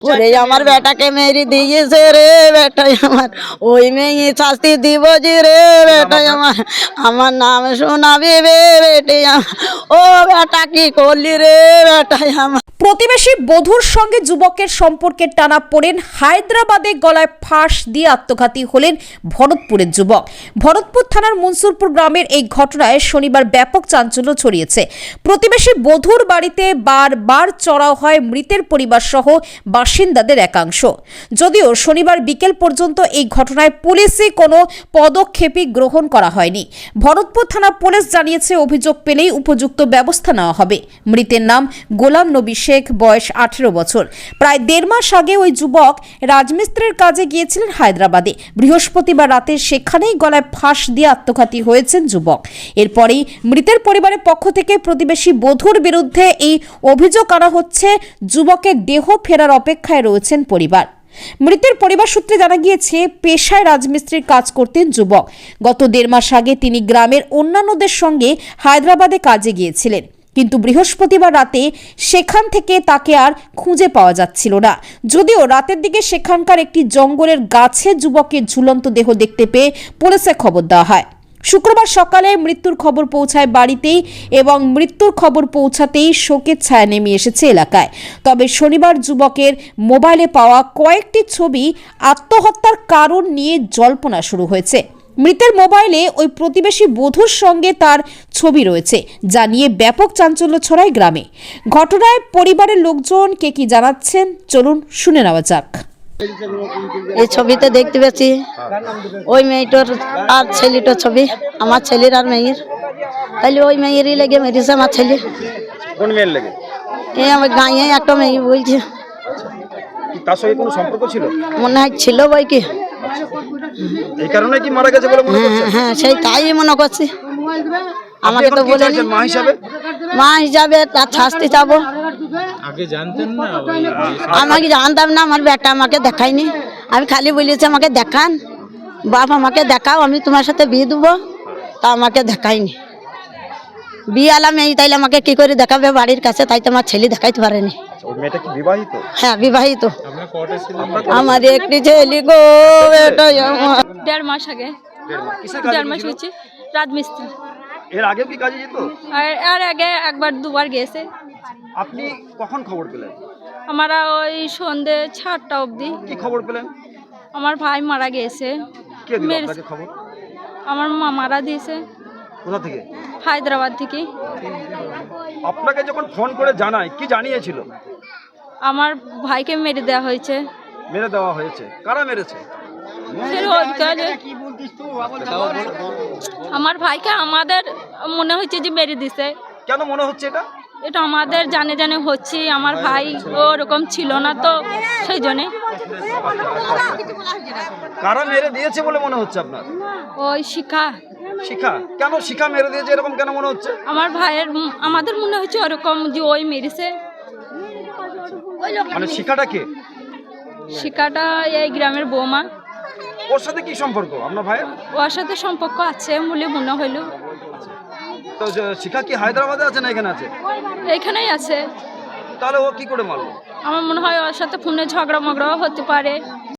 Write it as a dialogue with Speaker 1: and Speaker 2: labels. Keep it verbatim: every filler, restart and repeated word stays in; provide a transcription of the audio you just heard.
Speaker 1: ওরে আমার বেটাকে মেরে দিয়েছে রে বেটাই আমার, ওই মেয়ে শাস্তি দিব যে রে বেটাই আমার, আমার নাম শোনাবি রে বেটে আমার, ও বেটা কি করলি রে বেটাই আমার।
Speaker 2: প্রতিবেশী বধূর সঙ্গে যুবকের সম্পর্কের টানা পড়েন হায়দ্রাবাদে, গলায় ফাঁস দিয়ে আত্মঘাতী হলেন ভরতপুরের যুবক। ভরতপুর থানার মনসুরপুর গ্রামের এই ঘটনায় শনিবার ব্যাপক চাঞ্চল্য ছড়িয়েছে। প্রতিবেশী বধূর বাড়িতে বারবার চড়াও হয় মৃতের পরিবার সহ বাসিন্দাদের একাংশ। যদিও শনিবার বিকেল পর্যন্ত এই ঘটনায় পুলিশে কোনো পদক্ষেপই গ্রহণ করা হয়নি। ভরতপুর থানা পুলিশ জানিয়েছে, অভিযোগ পেলেই উপযুক্ত ব্যবস্থা নেওয়া হবে। মৃতের নাম গোলাম নবী শেখ, বয়স আঠেরো বছর। প্রায় দেড় মাস আগে ওই যুবক রাজমিস্ত্রির কাজে গিয়েছিলেন হায়দ্রাবাদে। বৃহস্পতিবার রাতে সেখানেই গলায় ফাঁস দিয়ে আত্মঘাতী হয়েছেন যুবক। এরপরেই মৃতের পরিবারের পক্ষ থেকে প্রতিবেশী বধূর বিরুদ্ধে এই অভিযোগ আনা হচ্ছে। যুবকের দেহ ফেরার অপেক্ষায় রয়েছেন পরিবার। মৃতের পরিবার সূত্রে জানা গিয়েছে, পেশায় রাজমিস্ত্রির কাজ করতেন যুবক। গত দেড় মাস আগে তিনি গ্রামের অন্যান্যদের সঙ্গে হায়দ্রাবাদে কাজে গিয়েছিলেন, কিন্তু বৃহস্পতিবার রাতে সেখান থেকে তাকে আর খুঁজে পাওয়া যাচ্ছিল না। যদিও রাতের দিকে সেখানকার একটি জঙ্গলের গাছে যুবকের ঝুলন্ত দেহ দেখতে পেয়ে পুলিশে খবর দেওয়া হয়। শুক্রবার সকালে মৃত্যুর খবর পৌঁছায় বাড়িতেই, এবং মৃত্যুর খবর পৌঁছাতেই শোকের ছায়া নেমে এসেছে এলাকায়। তবে শনিবার যুবকের মোবাইলে পাওয়া কয়েকটি ছবি আত্মহত্যার কারণ নিয়ে জল্পনা শুরু হয়েছে। মৃতের মোবাইলে ওই প্রতিবেশী বধূর সঙ্গে তার ছবি রয়েছে, যা নিয়ে ব্যাপক চাঞ্চল্য ছড়ায় গ্রামে। ঘটনায় পরিবারের লোকজন কে কি জানাচ্ছেন, চলুন শুনে নেওয়া যাক।
Speaker 1: এই ছবিতে দেখতে পেয়েছি ওই মেয়েটার আর ছেলেটার ছবি, আমার ছেলের আর মেয়ের। তাইলে ওই মেয়েরই লেগে মেরেছে আমার ছেলে।
Speaker 3: কোন মেয়ের লেগে?
Speaker 1: এই আমার গাঁয়ে একটা মেয়ে বলছে।
Speaker 3: কি তার সঙ্গে কোনো সম্পর্ক ছিল?
Speaker 1: মনে হয় ছিল বই কি,
Speaker 3: এই কারণে কি মারা গেছে বলে মনে করছেন?
Speaker 1: হ্যাঁ সেই তাই মনে করছি। আমাকে তো বলে
Speaker 3: মা হিসাবে
Speaker 1: মা হিসাবে তার শাস্তি চাবো।
Speaker 4: আগে জানতেন না?
Speaker 1: আমাকে জানতাম না, আমার বেটা আমাকে দেখায়নি। আমি খালি বলেছি আমাকে দেখান, বাপ আমাকে দেখাও, আমি তোমার সাথে বিয়ে দেবো। তা আমাকে দেখায়নি। বিয়ে আলাম এই, তাইলে আমাকে কি করে দেখাবে বাড়ির কাছে? তাই তো আমার ছেলে দেখাইতে পারেনি।
Speaker 3: ওই মেয়েটা কি বিবাহিত?
Speaker 1: হ্যাঁ বিবাহিত।
Speaker 4: আপনার কটা ছিলেন?
Speaker 1: আমার একটি ছেলে গো, এটাই আমার।
Speaker 5: দেড় মাস আগে
Speaker 3: কিসের
Speaker 5: দেড় মাস
Speaker 3: কাজে
Speaker 5: হয়েছে রাজমিস্ত্রি।
Speaker 3: এর আগেও কি কাজে যেত?
Speaker 5: আর আর আগে একবার দুবার গেছে।
Speaker 3: আপনি কখন খবর পেলেন?
Speaker 5: আমরা ওই সন্ধে সাতটা অবধি।
Speaker 3: কি খবর পেলেন?
Speaker 5: আমার ভাই মারা গেছে।
Speaker 3: কে দিল
Speaker 5: মেরে-
Speaker 3: আপনাকে খবর?
Speaker 5: আমার মা মারা দিয়েছে
Speaker 3: কোথা থেকে?
Speaker 5: হায়দ্রাবাদ থেকে।
Speaker 3: আপনাকে যখন ফোন করে জানায়, কি জানিয়েছিল?
Speaker 5: আমার ভাইকে মেরে দেওয়া হয়েছে।
Speaker 3: মেরে দেওয়া হয়েছে। কারা মেরেছে?
Speaker 5: ফের ওইখানে আমার ভাইকে আমাদের মনে হচ্ছে যে মেরে দিছে।
Speaker 3: কেন মনে হচ্ছে এটা?
Speaker 5: এটা আমাদের জানে জানে হচ্ছে। আমার ভাই ওরকম ছিল না তো, সেই জন্যে।
Speaker 3: কারা মেরে দিয়েছে বলে মনে হচ্ছে আপনার?
Speaker 5: ওই শিখা
Speaker 3: শিখা। কেন শিখা মেরে দিয়েছে এরকম কেন মনে হচ্ছে?
Speaker 5: আমার ভাইয়ের উম, আমাদের মনে হচ্ছে ওরকম যে ওই মেরেছে।
Speaker 3: মানে শিখাটা কে?
Speaker 5: শিখাটা এই গ্রামের বৌমা।
Speaker 3: ওর সাথে কি সম্পর্ক আপনার ভাইয়ের?
Speaker 5: ওর সাথে সম্পর্ক আছে বলে মনে হইল।
Speaker 3: তো যে শিখা কি হায়দ্রাবাদে আছে না এখানে আছে?
Speaker 5: এইখানেই আছে।
Speaker 3: তাহলে ও কি করে মারলো?
Speaker 5: আমার মনে হয় ওর সাথে ফোনে ঝগড়া মগড়াও হতে পারে।